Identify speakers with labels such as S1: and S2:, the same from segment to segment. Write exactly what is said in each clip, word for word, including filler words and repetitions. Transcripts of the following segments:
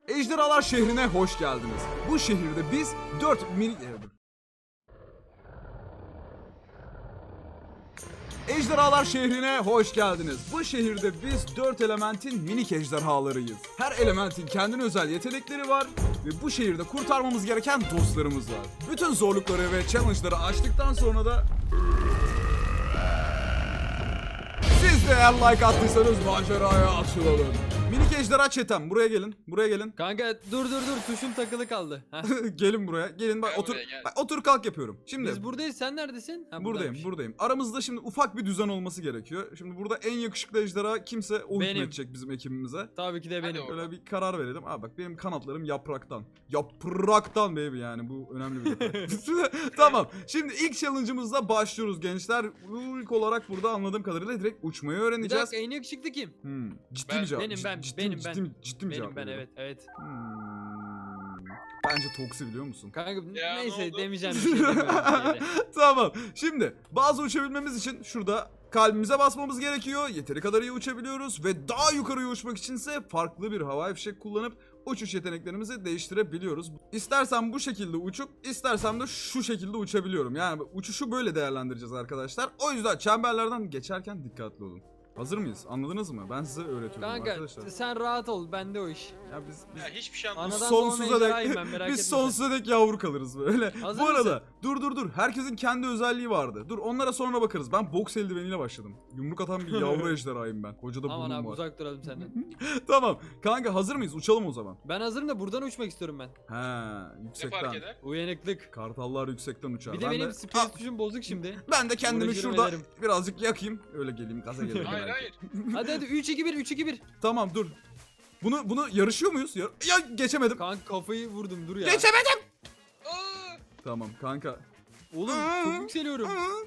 S1: Ejderhalar şehrine hoş geldiniz. Bu şehirde biz dört mini... Ejderhalar şehrine hoş geldiniz. Bu şehirde biz dört elementin minik ejderhalarıyız. Her elementin kendine özel yetenekleri var ve bu şehirde kurtarmamız gereken dostlarımız var. Bütün zorlukları ve challenge'ları aştıktan sonra da... Siz de eğer like attıysanız maceraya açılalım. Minik ejderha çetem, buraya gelin. Buraya gelin.
S2: Kanka dur dur dur, tuşum takılı kaldı.
S1: Gelin buraya. Gelin bak
S3: Gel
S1: otur.
S3: buraya, gel.
S1: Bak, otur kalk yapıyorum. Şimdi
S2: Biz buradayız, sen neredesin? Ha,
S1: buradayım,
S2: buradaymış.
S1: buradayım. Aramızda şimdi ufak bir düzen olması gerekiyor. Şimdi burada en yakışıklı ejderha kimse o
S2: Benim.
S1: hükmedecek bizim ekibimize.
S2: Tabii ki de
S3: Hadi
S2: benim.
S3: oğlum.
S1: Böyle bir karar verelim. Aa bak benim kanatlarım yapraktan. Yapraktan baby, yani bu önemli bir detay. Tamam. Şimdi ilk challenge'ımızla başlıyoruz gençler. İlk olarak burada anladığım kadarıyla direkt uçmayı
S2: Bir
S1: öğreneceğiz.
S2: dakika, en yakışıklı kim?
S1: Hmm. Ciddi
S3: Ben-
S1: mi cevap?
S2: Benim,
S1: Cid-
S2: ben,
S1: ciddi,
S2: benim,
S1: ciddi,
S2: ben.
S1: mi- ciddi mi cevap
S2: Benim ben,
S1: veriyorum?
S2: evet evet.
S1: Hmm. Bence Toksi, biliyor musun?
S2: Kanka
S3: Ya, ne
S2: neyse
S3: oldu?
S2: demeyeceğim bir şey demiyorum. yine de.
S1: Tamam. Şimdi bazı uçabilmemiz için şurada kalbimize basmamız gerekiyor. Yeteri kadar iyi uçabiliyoruz ve daha yukarıya uçmak içinse farklı bir havai fişek kullanıp uçuş yeteneklerimizi değiştirebiliyoruz. İstersen bu şekilde uçup istersem de şu şekilde uçabiliyorum. Yani uçuşu böyle değerlendireceğiz arkadaşlar. O yüzden çemberlerden geçerken dikkatli olun. Hazır mıyız? Anladınız mı? Ben size öğretiyorum
S2: Kanka
S1: arkadaşlar.
S2: sen rahat ol, bende o iş.
S1: Ya biz, biz
S3: Ya hiçbir şey anlamadım.
S2: Anadan
S1: sonsuza
S2: doğma
S1: dek
S2: ejderhayım ben, merak
S1: biz
S2: etme sen.
S1: sonsuza dek yavru kalırız böyle.
S2: Hazır
S1: Bu arada
S2: mısın?
S1: dur dur dur. Herkesin kendi özelliği vardı. Dur onlara sonra bakarız. Ben boks eldiveniyle başladım. Yumruk atan bir yavru ejderhayım ben. Koca da
S2: Aman
S1: burnum
S2: abi
S1: var.
S2: uzak duralım senden.
S1: Tamam. Kanka hazır mıyız? Uçalım o zaman.
S2: Ben hazırım da buradan uçmak istiyorum ben.
S1: He,
S3: Ne
S1: yüksekten.
S3: fark eder?
S2: Uyanıklık.
S1: Kartallar yüksekten uçar.
S2: Bir de
S1: ben
S2: benim
S1: de,
S2: space
S1: Aa,
S2: tuşum bozuk şimdi.
S1: ben de kendimi
S2: Uğraşırım
S1: şurada
S2: ederim.
S1: birazcık yakayım. Öyle geleyim, gaza geleyim.
S3: Hayır
S1: belki.
S3: hayır.
S2: Hadi hadi üç iki bir üç iki bir.
S1: Tamam dur. Bunu bunu yarışıyor muyuz? Ya, ya geçemedim.
S2: Kanka kafayı vurdum, dur ya.
S1: Geçemedim.
S3: Aa!
S1: Tamam kanka.
S2: Oğlum çok yükseliyorum.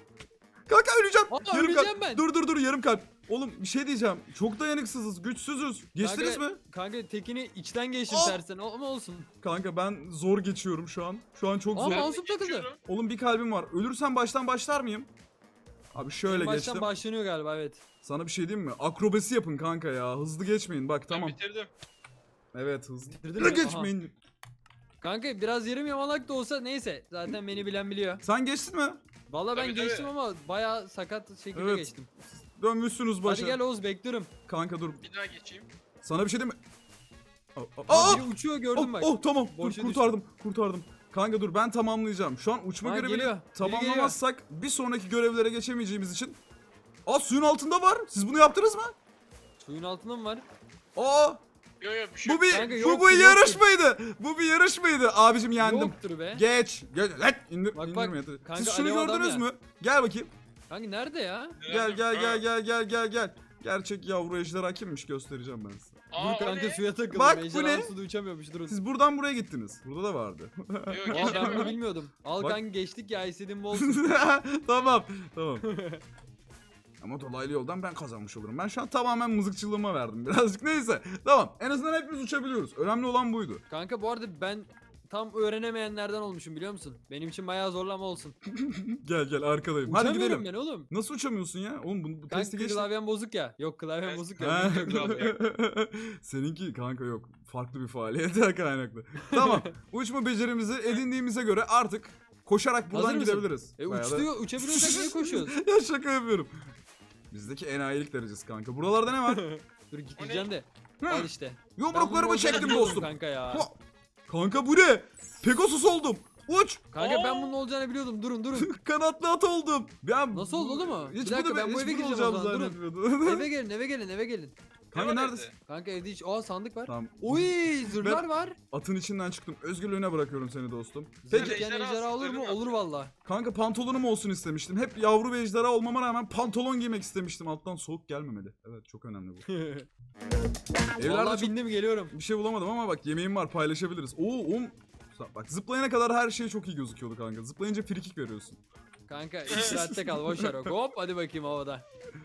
S1: Kanka öleceğim.
S2: Aa,
S1: yarım
S2: öleceğim
S1: kalp.
S2: ben.
S1: Dur dur dur, yarım kalp. Oğlum bir şey diyeceğim. Çok dayanıksızız, güçsüzüz. Geçtiniz
S2: Kanka-
S1: mi?
S2: Kanka tekini içten geçtim
S1: Aa!
S2: tersen ama olsun.
S1: Kanka ben zor geçiyorum şu an. Şu an çok
S2: Aa,
S1: zor.
S3: Ben
S2: mouse'um takıldı.
S3: geçiyorum.
S1: Oğlum bir kalbim var. Ölürsem baştan başlar mıyım? Abi şöyle
S2: Baştan
S1: geçtim.
S2: başlanıyor galiba, evet.
S1: Sana bir şey diyeyim mi? Akrobasi yapın kanka ya. Hızlı geçmeyin. Bak
S3: Ben
S1: tamam.
S3: bitirdim.
S1: Evet hızlı.
S2: Bitirdin mi?
S1: geçmeyin.
S2: Kanka biraz yarım yamalak da olsa neyse. Zaten beni bilen biliyor.
S1: Sen geçtin mi?
S2: Valla ben
S3: Tabii,
S2: geçtim
S3: tabii.
S2: ama bayağı sakat şekilde
S1: Evet.
S2: geçtim.
S1: Dönmüşsünüz başa.
S2: Hadi gel Oğuz, bekliyorum.
S1: Kanka dur.
S3: Bir daha geçeyim.
S1: Sana bir şey diyeyim mi? Aa,
S2: Aa,
S1: aa,
S2: biri uçuyor, gördüm
S1: oh,
S2: bak.
S1: oh tamam. Dur,
S2: Boşa
S1: kurtardım. Kurtardım. Kanka dur ben tamamlayacağım. Şu an uçma
S2: Ha,
S1: görevini
S2: geliyor. Biri
S1: tamamlamazsak bir sonraki görevlere geçemeyeceğimiz için. Aa suyun altında var. Siz bunu yaptınız mı?
S2: Suyun altında mı var?
S1: Aa
S3: Yok yok bir şey
S1: bu bir
S2: Kanka,
S1: bu
S2: yoktur,
S1: bu
S2: yoktur.
S1: yarış mıydı? Bu bir yarış mıydı? Abicim yendim.
S2: Yoktur be.
S1: Geç. Geç. Lan indir,
S2: Bak, bak.
S1: indirme yeter.
S2: Kanka,
S1: Siz şunu
S2: alev adam
S1: gördünüz
S2: ya.
S1: mü? Gel bakayım.
S2: Kanka nerede ya?
S1: Gel gel gel gel gel gel gel. Gerçek yavru ejderha kimmiş göstereceğim ben size.
S3: Aa,
S2: Dur kanka,
S3: o ne?
S2: suya takıldım.
S1: Bak, bu
S2: Ejderha
S1: ne?
S2: suda uçamıyormuş, durun.
S1: Siz buradan buraya gittiniz. Burada da vardı.
S3: Yok
S2: Aa, ben
S3: geçmedim.
S2: bunu bilmiyordum. Al
S1: Bak.
S2: kanka, geçtik ya, istediğim bu olsun.
S1: Tamam. Tamam. Ama dolaylı yoldan ben kazanmış olurum. Ben şu an tamamen mızıkçılığıma verdim birazcık. Neyse. Tamam. En azından hepimiz uçabiliyoruz. Önemli olan buydu.
S2: Kanka bu arada ben tam öğrenemeyenlerden olmuşum, biliyor musun? Benim için bayağı zorlama olsun.
S1: Gel gel arkadayım. Hadi
S2: Uçamıyorum
S1: gidelim.
S2: ben oğlum.
S1: Nasıl uçamıyorsun ya? Oğlum bu, bu testi
S2: Kanka
S1: geçti.
S2: klavyem bozuk ya. Yok klavyem
S3: Evet.
S2: bozuk
S1: Ha.
S2: ya. bilmiyorum klavye.
S1: Seninki kanka yok. Farklı bir faaliyetten kaynaklı. Tamam. Uçma becerimizi edindiğimize göre artık koşarak buradan
S2: Hazır mısın?
S1: gidebiliriz.
S2: E
S1: Bayağı da-
S2: uçtuyor, uçabiliyorsak niye koşuyoruz?
S1: Ya şaka yapıyorum. Bizdeki enayilik derecesi kanka. Buralarda ne var?
S2: Dur gideceğim de.
S1: Hı.
S2: Al işte. Ben bunu
S1: Yumruklarımı
S2: olacağını
S1: çektim
S2: biliyordum
S1: dostum.
S2: Kanka ya.
S1: Ha! Kanka bu ne? Pegasus oldum. Uç.
S2: Kanka ben
S3: Aa!
S2: bunun olacağını biliyordum. Durun durun.
S1: Kanatlı at oldum. Ben
S2: Nasıl oldu, olur mu?
S1: Hiç
S2: Bir dakika,
S1: bunu,
S2: ben bu
S1: hiç
S2: eve
S1: bunu
S2: gireceğim o
S1: olacağımı
S2: zaman, durun.
S1: zannetmiyordum.
S2: eve gelin, eve gelin, eve gelin.
S1: Kanka
S3: Ne var
S1: neredesin?
S3: evde?
S2: Kanka evde hiç... Aa, sandık var.
S1: Tamam.
S2: Uy, zırhlar var.
S1: Atın içinden çıktım. Özgürlüğüne bırakıyorum seni dostum.
S2: Peki.
S1: Peki
S3: Ejderha
S2: ejderha olur mu?
S3: zırhları
S2: Olur valla.
S1: kanka pantolonum olsun istemiştim. Hep yavru ve ejderha olmama rağmen pantolon giymek istemiştim. Alttan soğuk gelmemeli. Evet çok önemli bu. Evlerde
S2: Valla
S1: çok
S2: bindim, geliyorum.
S1: bir şey bulamadım ama bak yemeğim var, paylaşabiliriz. Oo oğlum. Bak zıplayana kadar her şey çok iyi gözüküyordu kanka. Zıplayınca frikik veriyorsun.
S2: Kanka iki saatte kal, boşver bak. Hop hadi bakayım havada.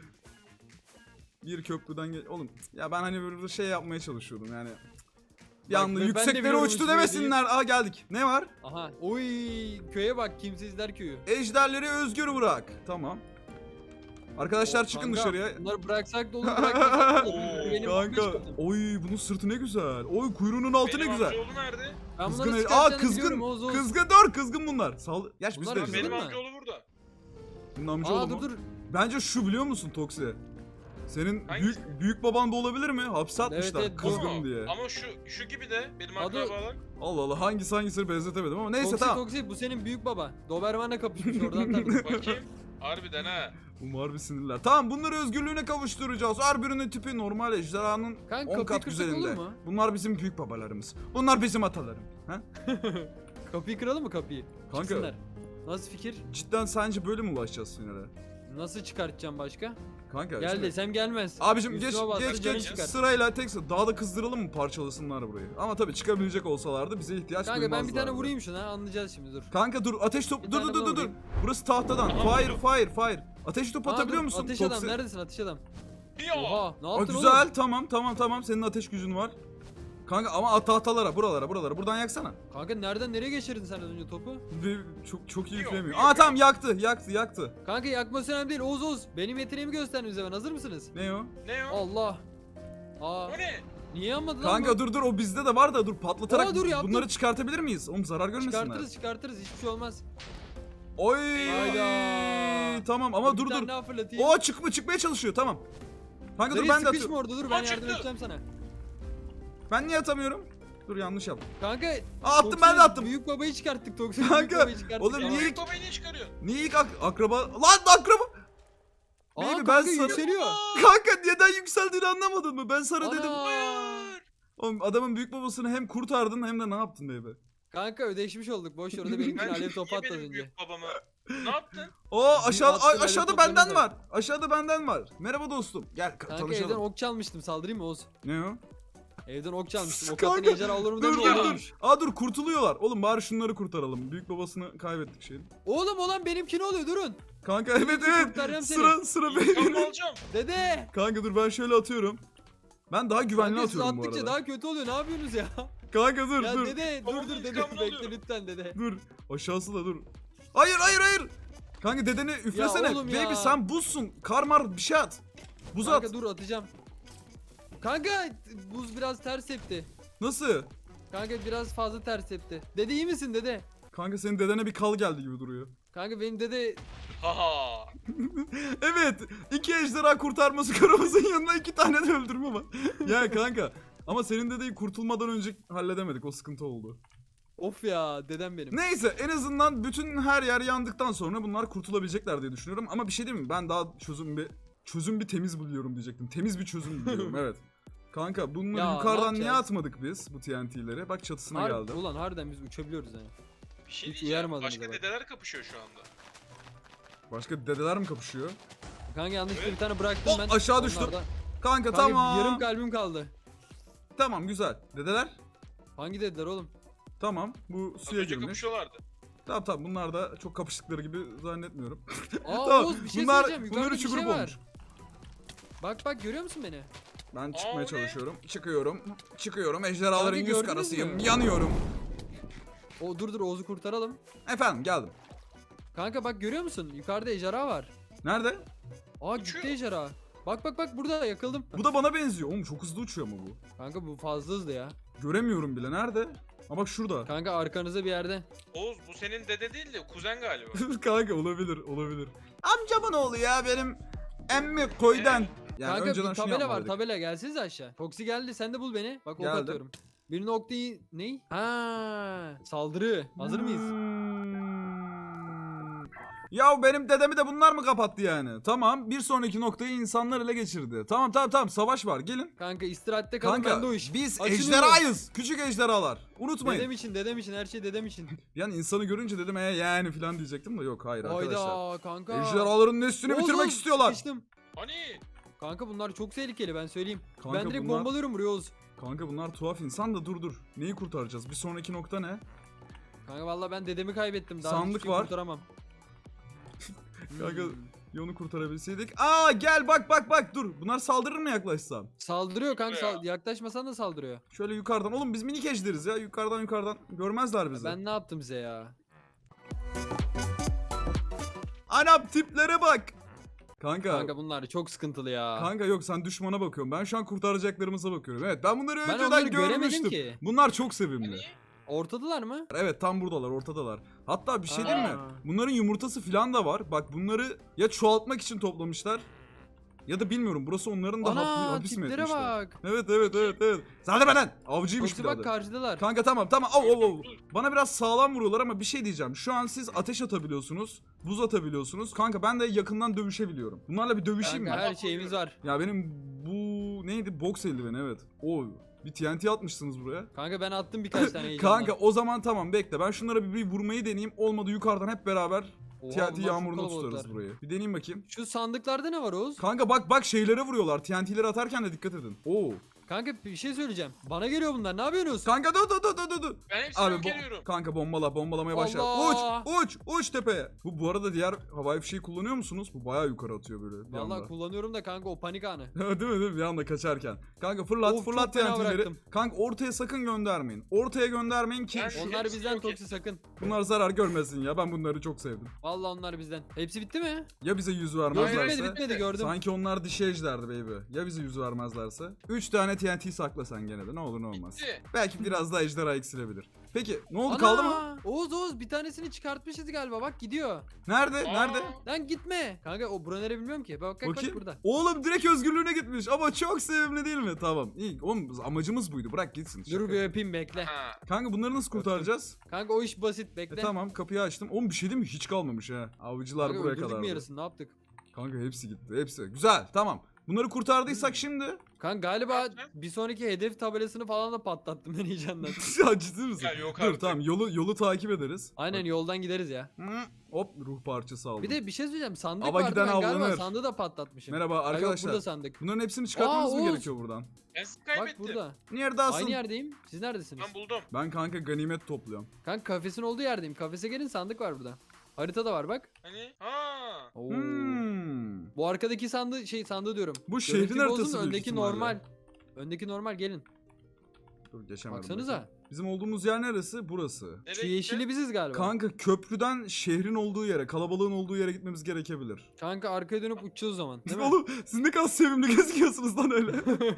S1: Bir köprüden gel... Oğlum ya ben hani böyle şey yapmaya çalışıyordum yani. Bir
S2: Bak,
S1: anda
S2: ben de
S1: yükseklere
S2: biliyorum
S1: uçtu
S2: uçmayı
S1: demesinler. Aa geldik. Ne var?
S2: Aha. Uy, köye bak, kimsizler köyü.
S1: Ejderleri özgür bırak. Tamam. Arkadaşlar çıkın
S2: Kanka,
S1: dışarıya.
S2: Bunları bıraksak da olur bırakmasak da olur.
S3: Oo,
S2: Benim
S1: Kanka.
S2: amca çıkardım.
S1: Oy bunun sırtı ne güzel. Oy kuyruğunun altı ne
S3: Benim
S1: güzel.
S3: amcaoğlu nerede?
S2: Ben
S1: Kızgın.
S2: bunları
S1: Aa
S2: çıkartacağını
S1: kızgın.
S2: biliyorum, Oğuz, Oğuz.
S1: Kızgın dur kızgın bunlar. Sal. Gerçi biz
S2: Bunlar
S1: de
S2: kızgın
S1: güzel.
S3: Benim
S2: mi?
S3: amcaoğlu burada.
S1: Bunun amcaoğlu
S2: Aa
S1: mu?
S2: dur dur.
S1: Bence şu biliyor musun Toksi? Senin
S3: Hangisi?
S1: büyük büyük baban da olabilir mi? Hapse atmışlar
S2: evet,
S1: kızgın
S3: Ama-
S1: diye.
S3: Ama şu şu gibi de benim
S2: Adı-
S3: akrabalar.
S1: Allah Allah hangisi hangisini benzetemedim ama neyse
S2: Toksi
S1: tamam.
S2: Toksi bu senin büyük baba. Doberman'la kapışmış oradan tanıdım.
S3: Bakayım. Harbiden ha.
S1: Umar bir sinirler. Tamam bunları özgürlüğüne kavuşturacağız. Her birinin tipi normal ejderhanın
S2: Kanka,
S1: on
S2: kapıyı
S1: kat
S2: kırsak
S1: güzelinde.
S2: olur mu?
S1: Bunlar bizim büyük babalarımız. Bunlar bizim atalarım. Ha?
S2: Kapıyı kıralım mı kapıyı?
S1: Kanka.
S2: Çıksınlar. Nasıl fikir?
S1: Cidden sence böyle mi ulaşacağız finale?
S2: Nasıl çıkartacağım başka?
S1: Kanka
S2: Gel
S1: şimdi-
S2: desem gelmez.
S1: Abicim geç
S2: Üstüme bastı,
S1: geç
S2: canı
S1: geç
S2: çıkar.
S1: sırayla tek sıra daha da kızdıralım mı parçalasınlar burayı. Ama tabii çıkabilecek olsalardı bize ihtiyaç
S2: Kanka ben bir tane
S1: duymazlardı.
S2: vurayım şuna anlayacağız şimdi dur.
S1: Kanka dur ateş top
S2: Bir
S1: dur
S2: tane
S1: dur dur dur.
S2: vurayım.
S1: Burası tahtadan.
S3: Tamam,
S1: Fire
S3: dur.
S1: fire fire. Ateş top
S2: Aa,
S1: atabiliyor
S2: dur,
S1: musun?
S2: Ateş adam
S1: Toksi?
S2: neredesin ateş adam?
S3: Ya.
S2: Oha ne
S1: Aa,
S2: yaptın
S1: güzel
S2: oğlum?
S1: tamam tamam tamam senin ateş gücün var. Kanka ama at tahtalara buralara buralara buradan yaksana.
S2: Kanka nereden nereye geçirdin sen az önce topu?
S1: Bir, çok çok iyi
S3: Yok,
S1: üflemiyor.
S3: yok,
S1: Aa
S3: yok.
S1: tamam yaktı yaktı yaktı.
S2: Kanka yakması önemli değil Oğuz Oğuz. Benim yeteneğimi gösterdin bize ben hazır mısınız?
S1: Ne o?
S3: Ne o?
S2: Allah. Aa
S3: O ne?
S2: niye yanmadı lan
S1: Kanka
S2: bu?
S1: dur dur o bizde de var da dur patlatarak
S2: Aa, dur, yaptım.
S1: bunları çıkartabilir miyiz? Oğlum zarar görmesinler.
S2: Çıkartırız çıkartırız hiçbir şey olmaz.
S1: Oy.
S2: Hayda.
S1: Tamam ama
S2: Bir
S1: dur
S2: tane
S1: dur.
S2: daha fırlatayım.
S1: O çıkma çıkmaya çalışıyor tamam. Kanka dur
S2: Dayı
S1: ben de
S2: sıkışma
S1: atıyorum.
S2: orada dur
S3: Aa,
S2: ben yardım
S3: çıktı.
S2: edeceğim sana.
S1: Ben niye atamıyorum? Dur yanlış yaptım.
S2: Kanka
S1: Aa, attım
S2: Toksi'nin
S1: ben de attım.
S2: Büyük babayı çıkarttık Toksi'nin
S1: Kanka,
S2: büyük babayı çıkarttık.
S1: oğlum
S2: ya.
S1: niye-
S3: Büyük babayı niye çıkarıyorsun?
S1: Niye ilk ak- akraba... Lan akraba...
S2: Aa
S1: Baby, ben
S2: kanka
S1: sana-
S2: yükseliyor.
S1: Kanka neden yükseldiğini anlamadın mı? Ben sana
S2: Ana.
S1: dedim.
S3: Hayır.
S1: Oğlum adamın büyük babasını hem kurtardın hem de ne yaptın baby?
S2: Kanka ödeşmiş olduk boş ver orada benimkini
S3: Ben
S2: alev topu
S3: niye
S2: attı az
S3: benim
S2: önce.
S3: büyük babama? Ne yaptın?
S1: O aşağı
S2: attın,
S1: a-
S2: alev
S1: aşağıda
S2: toplarını
S1: benden
S2: da.
S1: var. Aşağıda benden var. Merhaba dostum. Gel ka-
S2: Kanka evden
S1: tanışalım.
S2: ok çalmıştım saldırayım mı Oğuz?
S1: Ne o?
S2: Evden ok çalmıştım. Ok
S1: Kanka,
S2: attın ejderha olur mu
S1: Dur
S2: demiyor
S1: dur
S2: oğlum.
S1: dur. Aa dur kurtuluyorlar. Oğlum bari şunları kurtaralım. Büyük babasını kaybettik şeyin.
S2: Oğlum olan benimki ne oluyor durun.
S1: Kanka evet evet.
S2: kurtaracağım seni.
S1: Sıra sıra
S3: İntikam
S1: benim.
S3: alacağım.
S2: Dede.
S1: Kanka dur ben şöyle atıyorum. Ben daha güvenli
S2: Kanka siz
S1: atıyorum bu
S2: attıkça
S1: arada.
S2: daha kötü oluyor ne yapıyorsunuz ya?
S1: Kanka dur
S2: ya
S1: dur.
S2: dede dur
S3: Babamın
S2: dur dede
S3: intikamını
S2: bekle
S3: alıyorum.
S2: lütfen dede.
S1: Dur. Aşağısı da dur. Hayır hayır hayır. Kanka dedeni üflesene.
S2: oğlum
S1: Baby
S2: ya.
S1: sen buzsun. Kar mar bir şey at. Buz
S2: Kanka
S1: at.
S2: dur atacağım. Kanka buz biraz ters tepti.
S1: Nasıl?
S2: Kanka biraz fazla ters tepti. Dede iyi misin dede?
S1: Kanka senin dedene bir kal geldi gibi duruyor.
S2: Kanka benim dede
S3: Haha.
S1: Evet. iki ejderha kurtarması karımızın yanına iki tane de öldürme var. Ya kanka. Ama senin dedeyi kurtulmadan önce halledemedik. O sıkıntı oldu.
S2: of ya dedem benim.
S1: Neyse en azından bütün her yer yandıktan sonra bunlar kurtulabilecekler diye düşünüyorum. Ama bir şey diyeyim mi? Ben daha çözüm bir çözüm bir temiz buluyorum diyecektim. Temiz bir çözüm buluyorum evet. Kanka bunları
S2: Ya, ne
S1: yukarıdan niye
S2: yapacağız?
S1: atmadık biz bu T N T'leri? Bak çatısına
S2: Har-
S1: geldi.
S2: Ulan harbiden biz uçabiliyoruz yani.
S3: Bir şey
S2: Hiç
S3: diyeceğim.
S2: uyarmadınız
S3: Başka
S2: bak.
S3: dedeler kapışıyor şu anda.
S1: Başka dedeler mi kapışıyor?
S2: Kanka yanlışlıkla
S3: Evet.
S2: bir tane bıraktım
S1: Hop,
S2: ben.
S1: aşağı düştüm.
S2: onlardan.
S1: Kanka,
S2: Kanka
S1: tamam.
S2: yarım kalbim kaldı.
S1: Tamam güzel. Dedeler?
S2: Hangi dediler oğlum?
S1: Tamam. Bu
S3: Az
S1: suya
S3: önce
S1: girmiş.
S3: kapışıyorlardı.
S1: Tamam tamam bunlar da çok kapıştıkları gibi zannetmiyorum.
S2: Aa
S1: Tamam,
S2: Oğuz bir şey
S1: bunlar-
S2: söyleyeceğim.
S1: bunlar
S2: Yukarıda
S1: üçü
S2: bir şey
S1: grup
S2: var.
S1: olmuş.
S2: Bak bak görüyor musun beni?
S1: Ben
S3: Aa,
S1: çıkmaya
S3: o ne?
S1: çalışıyorum. Çıkıyorum. Çıkıyorum. Ejderhaların
S2: Kanka,
S1: yüz
S2: gördünüz
S1: karasıyım.
S2: mü?
S1: Yanıyorum.
S2: O dur dur Oğuz'u kurtaralım.
S1: Efendim geldim.
S2: Kanka bak görüyor musun? Yukarıda ejderha var.
S1: Nerede?
S2: Aa
S3: Uçuyor.
S2: gitti ejderha. Bak bak bak burada yakıldım.
S1: Bu da bana benziyor. Oğlum çok hızlı uçuyor ama bu.
S2: Kanka bu fazla hızlı ya.
S1: Göremiyorum bile. Nerede? Ha bak şurada.
S2: Kanka arkanızda bir yerde.
S3: Oğuz bu senin dede değil de kuzen galiba.
S1: Kanka olabilir olabilir. Amcamın oğlu ya benim emmi koydan. Yani
S2: Kanka
S1: önceden
S2: bir
S1: şunu
S2: tabela var
S1: yapmalıydık.
S2: tabela gelsiniz aşağı. Foxy geldi sen de bul beni. Bak ok
S1: Geldim.
S2: atıyorum. Bir noktayı ney? Ha saldırı. Hazır mıyız?
S1: Hmm. Ya benim dedemi de bunlar mı kapattı yani? Tamam bir sonraki noktayı insanlar ele geçirdi. Tamam tamam tamam savaş var gelin.
S2: Kanka istirahatte kalın
S1: Kanka
S2: bende o iş.
S1: biz
S2: Açılıyorum.
S1: ejderhayız. Küçük ejderhalar. Unutmayın.
S2: Dedem için dedem için her şey dedem için.
S1: Yani insanı görünce dedim e yani falan diyecektim de yok hayır arkadaşlar.
S2: Hayda kanka.
S1: Ejderhaların neslini
S2: Oğuz,
S1: bitirmek
S2: Oğuz,
S1: istiyorlar.
S2: sıkıştım.
S3: Hani?
S2: Kanka bunlar çok tehlikeli ben söyleyeyim.
S1: Kanka
S2: ben direkt
S1: bunlar-
S2: bombalıyorum buraya Oğuz.
S1: Kanka bunlar tuhaf insan da dur dur. Neyi kurtaracağız? Bir sonraki nokta ne?
S2: Kanka vallahi ben dedemi kaybettim. Daha
S1: Sandık
S2: hiçbir şey
S1: var.
S2: kurtaramam.
S1: Kanka
S2: Hmm.
S1: ya onu kurtarabilseydik. Aa gel bak bak bak dur. Bunlar saldırır mı yaklaşsam?
S2: Saldırıyor kanka
S3: Ya.
S2: sal- yaklaşmasan da saldırıyor.
S1: Şöyle yukarıdan. Oğlum biz minik ejderiz ya. Yukarıdan yukarıdan. Görmezler bizi.
S2: Ben ne yaptım size ya?
S1: Anam tiplere bak. Kanka.
S2: Kanka bunlar çok sıkıntılı ya.
S1: Kanka yok sen düşmana bakıyorsun. Ben şu an kurtaracaklarımıza bakıyorum. Evet ben bunları
S2: Ben
S1: önceden
S2: onları göremedim
S1: görmüştüm.
S2: ki.
S1: Bunlar çok sevimli.
S3: Hani?
S2: Ortadalar mı?
S1: Evet tam buradalar, ortadalar. Hatta bir şey değil mi?
S2: Aa.
S1: Bunların yumurtası falan da var. Bak bunları ya çoğaltmak için toplamışlar. Ya da bilmiyorum burası onların da hap-
S2: Ana
S1: hapis mi
S2: tiplere
S1: etmişler?
S2: bak.
S1: Evet evet evet evet. Zaten benden avcıymış
S2: Yoksa
S1: birader.
S2: bak karşıdalar.
S1: Kanka tamam tamam. Av, av, av. Bana biraz sağlam vuruyorlar ama bir şey diyeceğim. Şu an siz ateş atabiliyorsunuz. Buz atabiliyorsunuz. Kanka ben de yakından dövüşebiliyorum. Bunlarla bir dövüşeyim
S2: Kanka
S1: mi?
S2: her şeyimiz var.
S1: Ya benim bu neydi? Boks eldiveni evet. O bir T N T atmışsınız buraya.
S2: Kanka ben attım birkaç tane heyecanla.
S1: Kanka o zaman tamam bekle. Ben şunlara bir, bir vurmayı deneyeyim. Olmadı yukarıdan hep beraber
S2: Oha,
S1: T N T
S2: bunlar çok
S1: yağmuruna
S2: kalabalıklar.
S1: tutarız burayı. Bir deneyeyim bakayım.
S2: Şu sandıklarda ne var Oğuz?
S1: Kanka bak bak şeylere vuruyorlar. T N T'leri atarken de dikkat edin. Oo.
S2: Kanka bir şey söyleyeceğim. Bana geliyor bunlar. Ne yapıyorsunuz?
S1: Kanka dur dur dur dur dur.
S3: Ben hepsini
S1: Abi
S3: yok
S1: bo-
S3: ediyorum.
S1: kanka bombala bombalamaya başla.
S2: Allah!
S1: Uç uç uç tepeye. Bu bu arada diğer havai fişeği kullanıyor musunuz? Bu bayağı yukarı atıyor böyle bir
S2: Vallahi
S1: anda.
S2: kullanıyorum da kanka o panik anı.
S1: Değil mi değil mi? Bir anda kaçarken. Kanka fırlat
S2: Of,
S1: fırlat
S2: çok fena
S1: T N T'leri.
S2: bıraktım.
S1: Kanka ortaya sakın göndermeyin. Ortaya göndermeyin ki
S3: Ben-
S1: şu-
S2: Onlar
S3: hepsini
S2: bizden
S3: yok
S2: toksi sakın.
S1: bunlar zarar görmesin ya. Ben bunları çok sevdim.
S2: Vallahi onlar bizden. Hepsi bitti mi?
S1: Ya bize yüz
S2: Yok
S1: vermezlerse?
S2: bitmedi bitmedi gördüm.
S1: Sanki onlar dişi ejderdi baby. Ya bize yüz vermezlerse? üç tane T N T sakla sen gene de ne olur ne olmaz.
S3: Bitti.
S1: Belki biraz daha ejderha eksilebilir. Peki ne oldu
S2: Ana!
S1: kaldı mı?
S2: Oğuz Oğuz bir tanesini çıkartmışız galiba bak gidiyor.
S1: Nerede?
S3: Aa,
S1: Nerede?
S2: Lan gitme. Kanka o bura nere bilmiyorum ki. Bak bak, bak
S1: Bakayım.
S2: burada.
S1: Oğlum direkt özgürlüğüne gitmiş ama çok sevimli değil mi? Tamam iyi. Oğlum amacımız buydu bırak gitsin.
S2: Dur
S1: Şaka.
S2: bir öpeyim bekle.
S3: Ha.
S1: Kanka bunları nasıl kurtaracağız?
S2: Kanka o iş basit
S1: E
S2: bekle.
S1: tamam kapıyı açtım. Oğlum bir şey değil mi? Hiç kalmamış ha. Avcılar
S2: Kanka
S1: buraya
S2: öldürdük
S1: kadar.
S2: mü yarısını ne yaptık?
S1: Kanka hepsi gitti. Hepsi. Güzel tamam. Bunları kurtardıysak şimdi.
S2: Kanka galiba
S3: yapacağım?
S2: bir sonraki hedef tabelasını falan da patlattım ben heyecandan.
S1: Ya ciddi misin?
S3: Ya yok
S1: Dur
S3: artık.
S1: tamam yolu yolu takip ederiz.
S2: Aynen yoldan gideriz ya.
S1: Hı, hop ruh parçası aldım.
S2: Bir de bir şey söyleyeceğim sandık
S1: Ava
S2: vardı
S1: giden
S2: ben galiba
S1: avlanır.
S2: sandığı da patlatmışım.
S1: Merhaba
S2: Ha, yok,
S1: arkadaşlar.
S2: burada sandık.
S1: Bunların hepsini çıkartmamız
S2: Aa,
S1: mı
S2: Oğuz.
S1: gerekiyor buradan?
S3: Ben sizi
S2: Bak
S3: kaybettim.
S2: burada.
S1: Neredesin?
S2: Aynı yerdeyim. Siz neredesiniz?
S3: Ben buldum.
S1: Ben kanka ganimet topluyorum.
S2: Kanka kafesin olduğu yerdeyim. Kafese gelin sandık var burada. Harita da var bak.
S3: Hani? Ha.
S2: Oo.
S1: Hmm.
S2: Bu arkadaki sandığı şey sandığı diyorum.
S1: Bu şehrin
S2: Görüntü bozun,
S1: haritası büyük
S2: öndeki
S1: ihtimalle.
S2: normal. Öndeki normal gelin.
S1: Dur geçemedim.
S2: Baksanıza.
S1: bakayım. Bizim olduğumuz yer neresi? Burası.
S3: Nereye
S2: Şu
S3: gitti?
S2: yeşili biziz galiba. Kanka,
S1: Kanka köprüden şehrin olduğu yere, kalabalığın olduğu yere gitmemiz gerekebilir.
S2: arkaya dönüp uçacağız o zaman değil mi?
S1: Oğlum siz ne kadar sevimli gözüküyorsunuz lan öyle.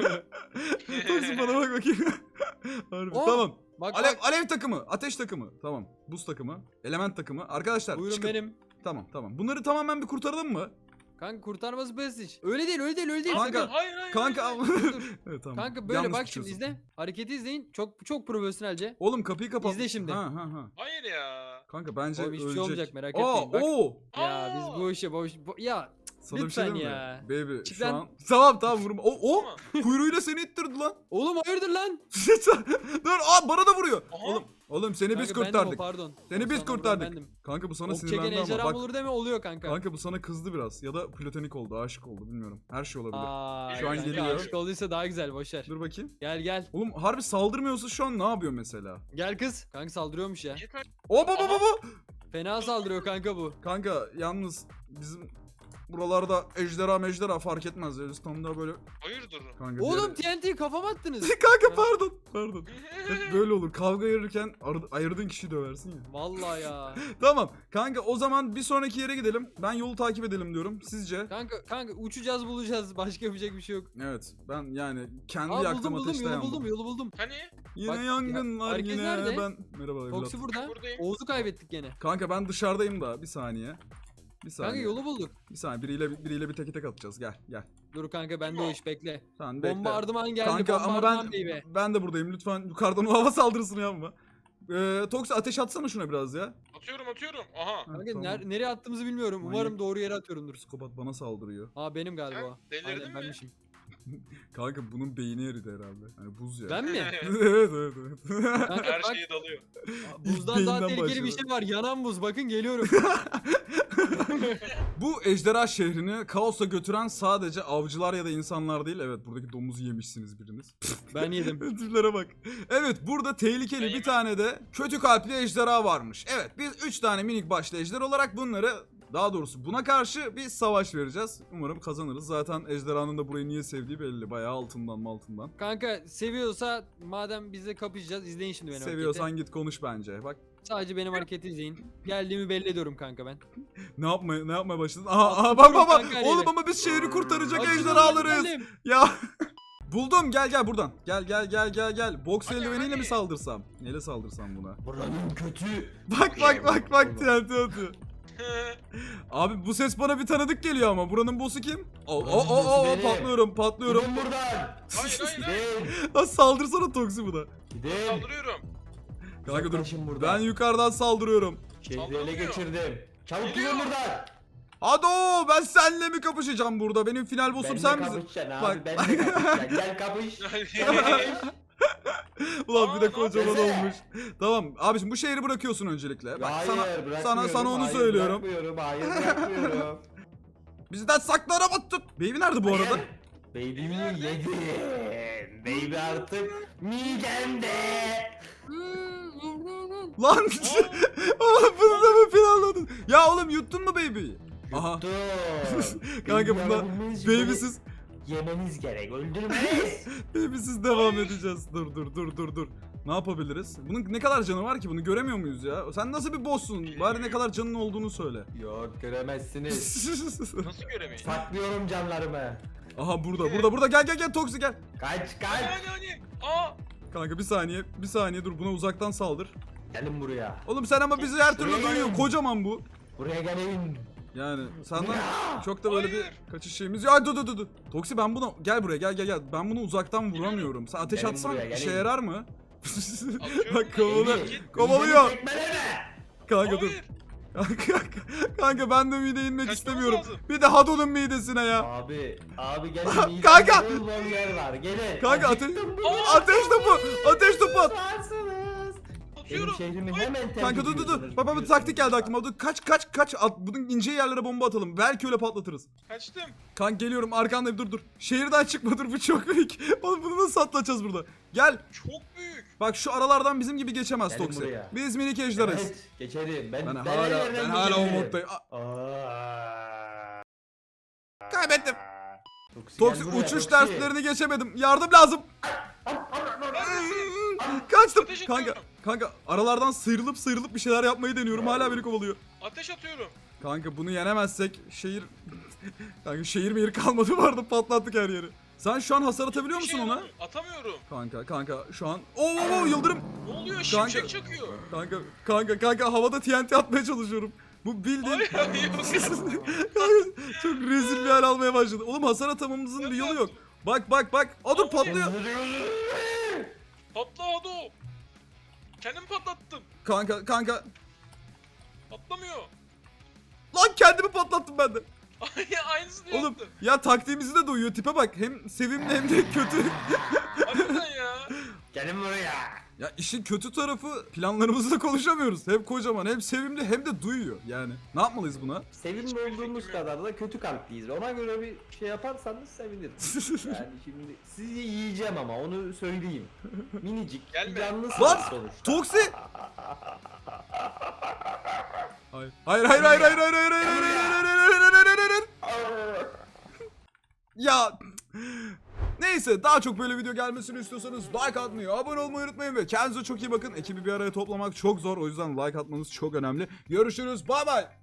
S1: Toksi bana bak bakayım. Harbi.
S2: Oh,
S1: Tamam.
S2: Bak
S1: Alev,
S2: bak.
S1: alev takımı, ateş takımı. Tamam. Buz takımı, element takımı. Arkadaşlar
S2: Buyurun
S1: çıkın.
S2: benim.
S1: Tamam tamam. Bunları tamamen bir kurtaralım mı?
S2: Kanka kurtarması basit. Öyle değil öyle değil öyle değil.
S1: Kanka,
S2: sakın.
S3: Hayır hayır.
S1: Kanka
S3: hayır.
S2: Dur, dur.
S1: evet tamam.
S2: Kanka böyle
S1: Yalnız
S2: bak şimdi
S1: düşüyorsun.
S2: izle. Hareketi izleyin. Çok çok profesyonelce.
S1: Oğlum kapıyı kapat.
S2: İzle şimdi.
S1: Ha ha ha.
S3: Hayır ya.
S1: Kanka bence
S2: Oğlum hiçbir şey
S1: ölecek.
S2: olmayacak, merak
S1: Aa,
S2: etmeyin, bak.
S1: Oo.
S2: Ya
S3: Aa!
S2: biz bu işe boş bu- ya
S1: Sana bir
S2: Lütfen
S1: şey diyeyim mi?
S2: ya.
S1: Baby
S2: Çık
S1: şu
S2: lan.
S1: an. Tamam tamam vurma. O o
S3: Tamam.
S1: kuyruğuyla seni ittirdi lan.
S2: oğlum hayırdır lan?
S1: Dur aa bana da vuruyor.
S3: Aha.
S1: Oğlum oğlum seni biz
S2: Kanka bendim o,
S1: kurtardık.
S2: pardon.
S1: Seni
S2: O
S1: biz
S2: sana vuran
S1: kurtardık.
S2: bendim.
S1: Kanka bu sana
S2: Ok çeken
S1: sinirlendi ama
S2: ejderha
S1: bak.
S2: olur deme oluyor kanka.
S1: Kanka bu sana kızdı biraz ya da platonik oldu, aşık oldu bilmiyorum. Her şey olabilir.
S2: Aa,
S3: Şu an
S2: kanka
S1: geliyor.
S2: aşık olduysa daha güzel boşver.
S1: Dur bakayım.
S2: Gel gel.
S1: Oğlum harbi saldırmıyorsa şu an ne yapıyor mesela?
S2: Gel kız. Kanka saldırıyormuş ya.
S3: Niye kaç-
S1: Hop hop hop hop.
S2: Fena saldırıyor kanka bu.
S1: Kanka yalnız bizim buralarda ejderha mejderha fark etmez. Eristan'da böyle
S3: Hayırdır?
S1: kanka.
S2: Oğlum
S1: diğeri-
S2: T N T'yi kafama attınız.
S1: Kanka pardon. Pardon. Hep böyle olur. Kavga ayırırken ar- ayırdığın kişiyi döversin ya.
S2: Vallahi ya.
S1: Tamam. Kanka o zaman bir sonraki yere gidelim. Ben yolu takip edelim diyorum. Sizce?
S2: Kanka kanka uçacağız bulacağız. Başka yapacak bir şey yok.
S1: Evet. Ben yani kendi
S2: Aa buldum
S1: yaktığım
S2: buldum
S1: ateşte
S2: yolu
S1: yandım.
S2: buldum yolu buldum.
S3: Hani?
S1: Yine
S2: Bak,
S1: yangın
S2: ya,
S1: var
S2: herkes
S1: yine.
S2: nerede?
S1: Ben merhaba evlat.
S2: Foxy burada.
S3: Buradayım.
S2: Oğuz'u kaybettik gene.
S1: Kanka ben dışarıdayım da bir saniye. Bir saniye.
S2: Kanka yolu bulduk.
S1: Bir saniye biriyle biriyle bir teke tek atacağız. Gel gel.
S2: Dur kanka bende o iş bekle.
S1: Tamam bekle.
S2: Bombardıman geldi.
S1: Kanka ama
S2: bombardıman
S1: ben
S2: baby.
S1: ben de buradayım. Lütfen yukarıdan o hava saldırısını yapma. Ee, Toksi ateş atsana şuna biraz ya.
S3: Atıyorum atıyorum. Aha.
S1: Ha,
S2: Kanka
S1: tamam.
S2: ner- nereye attığımızı bilmiyorum.
S1: Manyak.
S2: Umarım doğru yere atıyorumdur.
S1: Psikopat bana saldırıyor.
S2: Aa benim galiba.
S3: Sen
S2: o.
S3: delirdin
S2: Aynen
S3: mi?
S2: benmişim.
S1: Kanka bunun beyni eridi herhalde. Hani buz ya.
S2: Ben mi?
S1: evet evet evet.
S2: Kanka
S3: Her
S2: bak
S3: şeyi dalıyor.
S2: buzdan daha
S1: beyinden
S2: tehlikeli bir
S1: başladı.
S2: şey var. Yanan buz. Bakın geliyorum.
S1: Bu ejderha şehrini kaosa götüren sadece avcılar ya da insanlar değil. Evet buradaki domuzu yemişsiniz biriniz.
S2: Ben yedim.
S1: Türlere bak. Evet burada tehlikeli bir tane de kötü kalpli ejderha varmış. Evet biz üç tane minik başlı ejder olarak bunları Daha doğrusu buna karşı bir savaş vereceğiz. Umarım kazanırız. Zaten ejderhanın da burayı niye sevdiği belli. Bayağı altından mı altından.
S2: Kanka seviyorsa madem biz de kapışacağız, izleyin şimdi benim
S1: Seviyorsan
S2: hareketi.
S1: git konuş bence. Bak
S2: Sadece benim hareketi izleyin. Geldiğimi belli ediyorum kanka ben.
S1: ne yapmaya ne yapmaya başladın? Aha, aha bak bak bak.
S2: Kanka, eliyle.
S1: Oğlum ama biz şehri kurtaracak
S2: Hadi
S1: ejderhalarız.
S2: gidelim.
S1: Ya buldum, gel gel buradan. Gel gel gel gel gel. Boks
S3: Hadi,
S1: eldiveniyle
S3: hadi.
S1: mi saldırsam? Neyle saldırsam buna?
S4: Buranın kötü.
S1: Bak bak bak bak T N T atıyor. Abi bu ses bana bir tanıdık geliyor ama buranın boss'u kim? O o
S4: Buranın
S1: o
S4: boss'u
S1: o
S4: benim.
S1: patlıyorum patlıyorum.
S4: Gidin buradan.
S3: Hayır hayır hayır.
S4: Gidin.
S1: Lan saldırsana Toksi buna.
S4: Gidin.
S3: Saldırıyorum.
S1: Kanka dur.
S4: Uzaklaşın buradan.
S1: Ben yukarıdan saldırıyorum.
S4: Şehri ele
S3: Saldırmıyor.
S4: geçirdim. Çabuk
S3: Geliyor.
S4: gidin buradan.
S1: Hadi o, ben seninle mi kapışacağım burada? Benim final boss'um
S4: Benle
S1: sen misin?
S4: kapışacaksın abi.
S1: Bak.
S4: Benle kapışacaksın. Gel kapış.
S1: Ulan bir de
S3: Aa,
S1: kocaman
S4: ne
S1: olmuş. Tamam abiciğim bu şehri bırakıyorsun öncelikle. Bak
S4: Hayır
S1: sana
S4: bırakmıyorum.
S1: sana sana onu
S4: hayır,
S1: söylüyorum.
S4: Bırakmıyorum. Hayır bırakmıyorum.
S1: Bizden saklanama tut. Baby nerede bu arada?
S4: Hayır. Baby'mi yedin. Baby artık midemde.
S1: Lan oğlum bunu da mı planladın? Ya oğlum yuttun mu baby'yi? Aha.
S4: Yuttum.
S1: Kanka
S4: Baby'yi
S1: buna
S4: alabilmeniz için beni
S1: baby'siz
S4: yemeniz gerek. Öldürmeniz.
S1: baby'siz devam edeceğiz. Dur dur dur dur dur. Ne yapabiliriz? Bunun ne kadar canı var ki? Bunu göremiyor muyuz ya? Sen nasıl bir boss'sun? Bari ne kadar canın olduğunu söyle.
S4: Yok göremezsiniz.
S3: Nasıl göremeyin?
S4: Saklıyorum canlarımı.
S1: Aha burada burada burada gel gel gel Toksi gel.
S4: Kaç
S3: Hadi
S4: kaç.
S3: hadi hadi. Aa.
S1: Kanka bir saniye bir saniye dur buna uzaktan saldır.
S4: Gelin buraya.
S1: Oğlum sen ama bizi her türlü
S4: Şuraya
S1: duyuyor.
S4: gelin.
S1: Kocaman bu.
S4: Buraya gelin.
S1: Yani senden
S4: Ya!
S1: çok da böyle bir
S3: Hayır.
S1: kaçış şeyimiz. Ya dur dur dur dur. Toksi ben bunu gel buraya gel gel gel. Ben bunu uzaktan vuramıyorum. Sen ateş
S4: Gelin
S1: atsan
S4: buraya,
S1: işe
S4: gelin.
S1: yarar mı?
S3: Atıyorum
S1: Bak
S3: da
S1: kovalıyor.
S3: git.
S1: Kovalıyor.
S4: Midemi tekmeleme.
S1: Kanka dur.
S3: Hayır.
S1: Kanka, kanka ben de mide inmek
S3: Kaçmamız
S1: istemiyorum.
S3: lazım.
S1: Bir de Hadon'un midesine ya.
S4: Abi, abi gelin.
S1: Kanka!
S4: midemde bol bol yer var. Gelin.
S1: Kanka ateş,
S4: Acıktım.
S1: ateş topu. Ateş topu at.
S4: Varsınız. Benim
S3: Atıyorum.
S4: şehrimi hemen terk
S1: Kanka dur dur dur.
S4: ediyorsunuz,
S1: Bak bak bir
S4: biliyorsunuz.
S1: taktik geldi aklıma. Dur kaç kaç kaç at. Bunun ince yerlere bomba atalım. Belki öyle patlatırız.
S3: Kaçtım.
S1: Kanka geliyorum arkandayım dur dur. Şehirden çıkma dur bu çok büyük. Oğlum bunu nasıl atlatacağız burada? Gel.
S3: Çok büyük.
S1: Bak şu aralardan bizim gibi geçemez
S4: Gelin
S1: Toksi.
S4: buraya.
S1: Biz minik ejderiz.
S4: Evet geçerim. Ben,
S1: Ben,
S4: ben
S1: hala
S4: yerden
S1: ben hala o
S4: geçerim.
S1: moddayım. Aa,
S4: Aa.
S1: Kaybettim.
S4: Toksi,
S1: Toksi
S4: gel buraya,
S1: uçuş
S4: Toksi.
S1: derslerini geçemedim. Yardım lazım. Kaçtım.
S3: Ateş
S1: Kanka
S3: atıyorum.
S1: kanka aralardan sıyrılıp sıyrılıp bir şeyler yapmayı deniyorum. Hala beni kovalıyor.
S3: Ateş atıyorum.
S1: Kanka bunu yenemezsek şehir kanka şehir mehir kalmadı bu arada patlattık her yeri. Sen şu an hasar atabiliyor
S3: Bir
S1: musun
S3: şey
S1: ona?
S3: atamıyorum. Atamıyorum.
S1: Kanka kanka şu an oo oo, oo, yıldırım.
S3: Ne oluyor?
S1: Kanka.
S3: Şimşek çakıyor.
S1: Kanka kanka kanka havada T N T atmaya çalışıyorum. Bu bildiğin
S3: Hayır hayır yok.
S1: Kanka, çok rezil bir hal almaya başladı. Oğlum hasar atamamızın bir yolu yok. Bak bak bak. Aa dur patlıyor.
S3: Patla hadi o. Kendimi patlattım.
S1: Kanka kanka.
S3: Patlamıyor.
S1: Lan kendimi patlattım ben de.
S3: Aynısını
S1: Oğlum
S3: yaptım.
S1: ya taktiğimizi de duyuyor. Tipe bak. Hem sevimli hem de kötü.
S3: Harbiden ya.
S4: Gelin buraya.
S1: Ya işin kötü tarafı planlarımızda konuşamıyoruz. Hem kocaman hem sevimli hem de duyuyor yani. Ne yapmalıyız buna?
S4: Sevimli
S3: Hiçbir
S4: olduğumuz
S3: fikrim yok.
S4: kadar da kötü kalpliyiz. Ona göre bir şey yaparsanız sevinirim. Yani şimdi sizi yiyeceğim ama onu söyleyeyim. Minicik,
S3: Gelme.
S4: canlısınız
S1: Lan!
S4: sonuçta.
S1: Toksi! Hayır. Hayır hayır hayır hayır hayır hayır hayır hayır hayır hayır hayır hayır hayır hayır. Ya neyse daha çok böyle video gelmesini istiyorsanız like atmayı, abone olmayı unutmayın ve kendinize çok iyi bakın. Ekibi bir araya toplamak çok zor, o yüzden like atmanız çok önemli. Görüşürüz, bay bay.